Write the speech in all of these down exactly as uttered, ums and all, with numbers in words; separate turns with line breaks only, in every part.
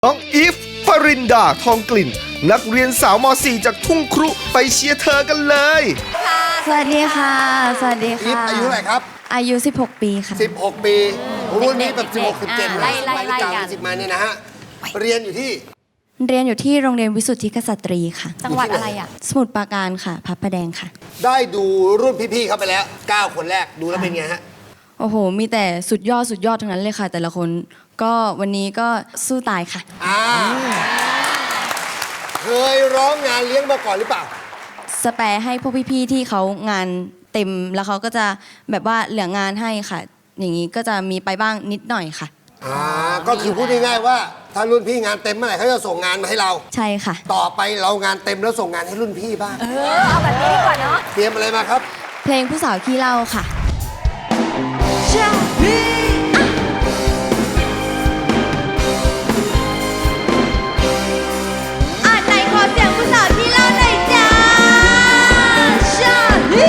น้องอีฟปรินดาทองกลิ่น นักเรียนสาวม .สี่ จากทุ่งครุไปเชียร์เธอกันเลย
สวัสดีค่ะ สวัสดี
อีฟ
ค่ะ
อายุเท่าไหร่ครับ
อายุ สิบหก ปีค่ะ
สิบหก ปีรุ่นนี้แบบสิบหก สิบเจ็ด
ไล่ไล่ไล่กัน
สิบมาเนี่ยนะฮะ เรียนอยู่ที่
เรียนอยู่ที่โรงเรียนวิสุทธิกษัตรีค่ะ
จังหวัดอะไรอ่ะ
สมุทรปราการค่ะพระประแดงค่ะ
ได้ดูรุ่นพี่ๆเขาไปแล้ว เก้า คนแรกดูแล้วเป็นไงฮะ
โอ้โห มีแต่สุดยอดสุดยอดทั้งนั้นเลยค่ะ แต่ละคนก็วันนี้ก็สู้ตายค่ะ
อ่า เคยร้องงานเลี้ยงมาก่อนหรือเปล่า
สแปรให้พวกพี่ๆที่เขางานเต็มแล้วเขาก็จะแบบว่าเหลืองานให้ค่ะ อย่างนี้ก็จะมีไปบ้างนิดหน่อยค่ะ
อ่า ก็คือพูดง่ายๆว่า ถ้ารุ่นพี่งานเต็มเมื่อไหร่เขาจะส่งงานมาให้เรา
ใช่ค่ะ
ต่อไปเรางานเต็มแล้วส่งงานให้รุ่นพี่บ้าง
เออ เอาแบบนี้ดีกว่าเนาะ
เตรียมอะไรมาครับ
เพลงผู้สาวขี้เหล่าค่ะอ่ะไหนขอเสียงผู้สาวขี้เหล่าหน่อยจ้าชาฮิ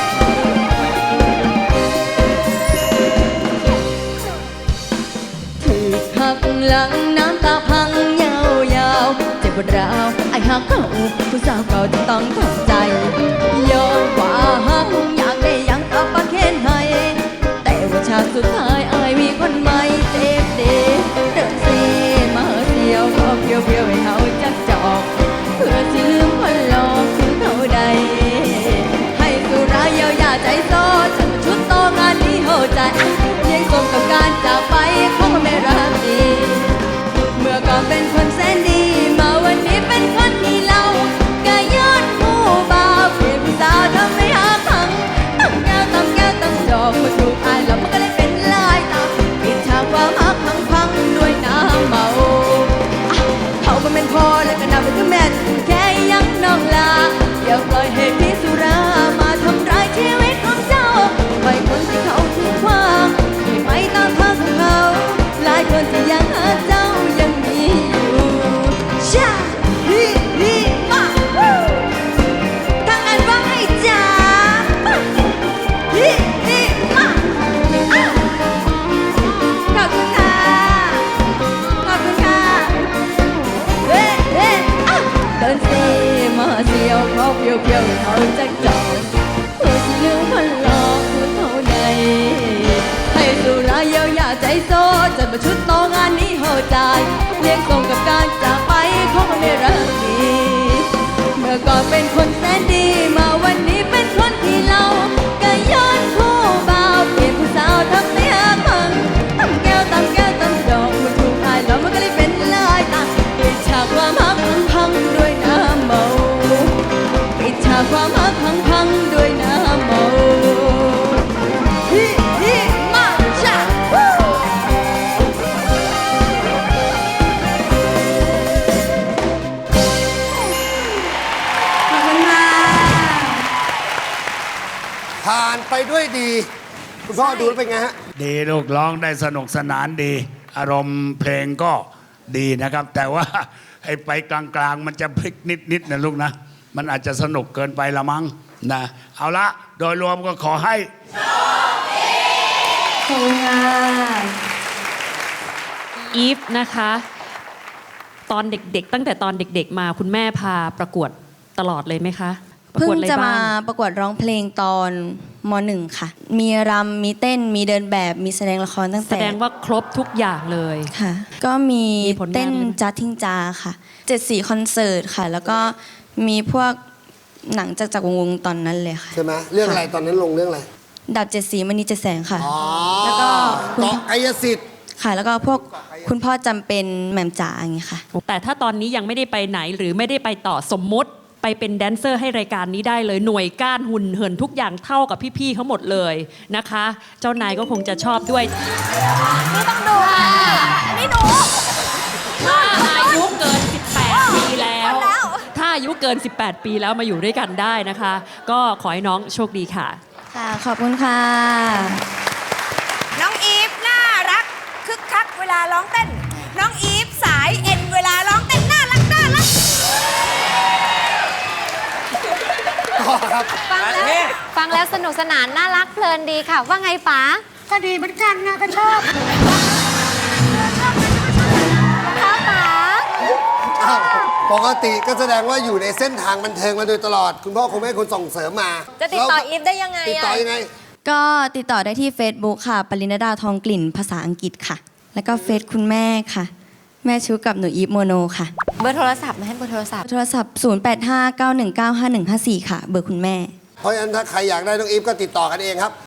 ถูกหักหลังน้ำตาพังยาวๆเจ็บปวดร้าวไอ้หักเขาผู้สาวเก่าจะต้องทำใจยอมว่าหักอยากได้ยังกับปะเคนให้แต่ว่าชาติสุดท้ายอายมีคนใหม่เจ็บดีเดินซีมาเสียวก็เพียวเพียวให้เขาจักจอกเพื่อสิลืมคนหลอกคือเขาใดให้สุรายเยียวยาใจโซ่ฉันชุดโตงานนี้โหใจเลี้ยงส่งกับการจากไปของคนไม่รักดีเมื่อก่อนเป็นคนแสนดีมาวันนี้เป็นคนที่เล่าก็ย้อนผู้บ่าวเปลี่ยนผู้สาวทำให้หาพังตั้งแก้วตั้งแก้วตั้งจอกมาถูกอายแล้วมันก็เลยเป็นลายตาปิดฉากความฮักพังพังด้วยน้ำเมาอ่ะเขาก็เป็นพ่อและก็นับเป็นแม่แค่ยังน้องลาอย่าปล่อยให้พี่สุรามาทำร้ายชีวิตของเจ้าไปคนที่เขาทิ้งขว้างที่ไม่ตามทางของเขาหลายคนที่ยังหาเจ้ายังมีอยู่ชาฮิฮิมาวู้ทางอันว่าให้จ๋ามาฮิฮิมาอ้าวขอบคุณค่ะขอบคุณค่ะเฮ้เฮ้อ้าวเดินเซมาเสียวเขาเพียวเพียวเขาจะจอดเพื่อที่ลืมมันหลอกคือเขาใดให้สุราเยียวยาใจโซ่จัดมาชุดโตงานนี้โหดใจเลี้ยงส่งกับการจากไปของคนไม่รักดีเมื่อก่อนเป็นคนแสนดีมาวันนี้เป็นคนที่เล่าก็ย้อนผู้บ่าวเปลี่ยนผู้สาวทำให้หักพังตั้งแก้วตั้งแก้วตั้งดอกมันถูกอายแล้วมันก็เลยเป็นลายตาปิดฉากความหักพังพังด้วยน้ำเมาปิดฉากความหักพังพังด้วยน้ำเมาฮิฮิมาชาวู้ขอบคุณค่ะ
ผ่านไปด้วยดี คุณพ่อดูแล้วเป็นไงฮะ
ดีลูกร้องได้สนุกสนานดี อารมณ์เพลงก็ดีนะครับ แต่ว่า ไอ้ไปกลางๆ มันจะพลิกนิดๆนะลูกนะ มันอาจจะสนุกเกินไปละมั้งนะเอาละโดยรวมก็ขอให้
ขอบคุณค่ะ
อีฟนะคะ ตอนเด็กๆ ตั้งแต่ตอนเด็กๆ มาคุณแม่พาประกวดตลอดเลยไหมคะประ
เพิ่
กวด
ง
อะไร
จะ
บ้
มาง ประกวดร้องเพลงตอนมหนึ่งค่ะ มีรำมีเต้นมีเดินแบบมีแสดงละครตั้ง
แส
แต่
ดงว่าครบทุกอย่างเลย
ค่ะ ก็มี
มีผลงาน
เต้น
ด้วยไหม
จัดทิ้งจาค่ะเจ็ดสีคอนเสิร์ตค่ะ แล้วก็มีพวกหนังจากจากวงวงตอนนั้นเลยค่ะ
ใช่ไหมเรื่องอะไรตอนนั้นลงเรื่องอะไร
ดาบเจ็ดสีมณีเจ็ดแสงค่ะ
อ๋อ
แล้วก็คุณ
เกาะกายสิทธิ์
ค่ะ แล้วก็พวกคุณพ่อจำเป็นแหม่มจ๋าอย่างเงี้ยค่ะ
แต่ถ้าตอนนี้ยังไม่ได้ไปไหนหรือไม่ได้ไปต่อสมมติไปเป็นแดนเซอร์ให้รายการนี้ได้เลยหน่วยก้านหุ่นเหินทุกอย่างเท่ากับพี่ๆเขาหมดเลยนะคะ เจ้านายก็คงจะชอบด้วยนี่ต้องดูค่ะนี่หนูถ้าอายุเกิน สิบแปด ปีแล้ว ถ้าอายุเกิน สิบแปด ปีแล้วมาอยู่ด้วยกันได้นะคะ ก็ขอให้น้องโชคดีค่ะ
ค่ะ ขอบคุณค่ะ
น้องอีฟน่ารักคึกคักเวลาร้องเต้น น้องอีฟสายเอ็นเวลาร้องเต้นน่ารักน่ารัก
ต่อครับ
ฟังแล้วฟังแล้วสนุกสนานน่ารักเพลินดีค่ะ ว่าไงป๋า
ก็ดีเหมือนกันนะก็ชอบ
ค่ะป๋า
ปกติก็แสดงว่าอยู่ในเส้นทางบันเทิงมาโดยตลอด คุณพ่อคงไม่ให้คุณส่งเสริมมา
จะติดต่ออีฟได้ยังไง
ติดต่อ
อะ
ยังไง
ก็ติดต่อได้ที่ Facebook ค่ะ ปริณดาทองกลิ่นภาษาอังกฤษค่ะ แล้วก็เฟซคุณแม่ค่ะ แม่ชูกับหนูอีฟโมโนค่ะ
เบอร์โทรศัพท์มาให้เบอร์โทรศัพท์
โทรศัพท์ ศูนย์ แปด ห้า เก้า หนึ่ง เก้า ห้า หนึ่ง ห้า สี่ ค่ะ เบอร์คุณแม่
เพราะฉะนั้นถ้าใครอยากได้น้องอีฟก็ติดต่อกันเองครับ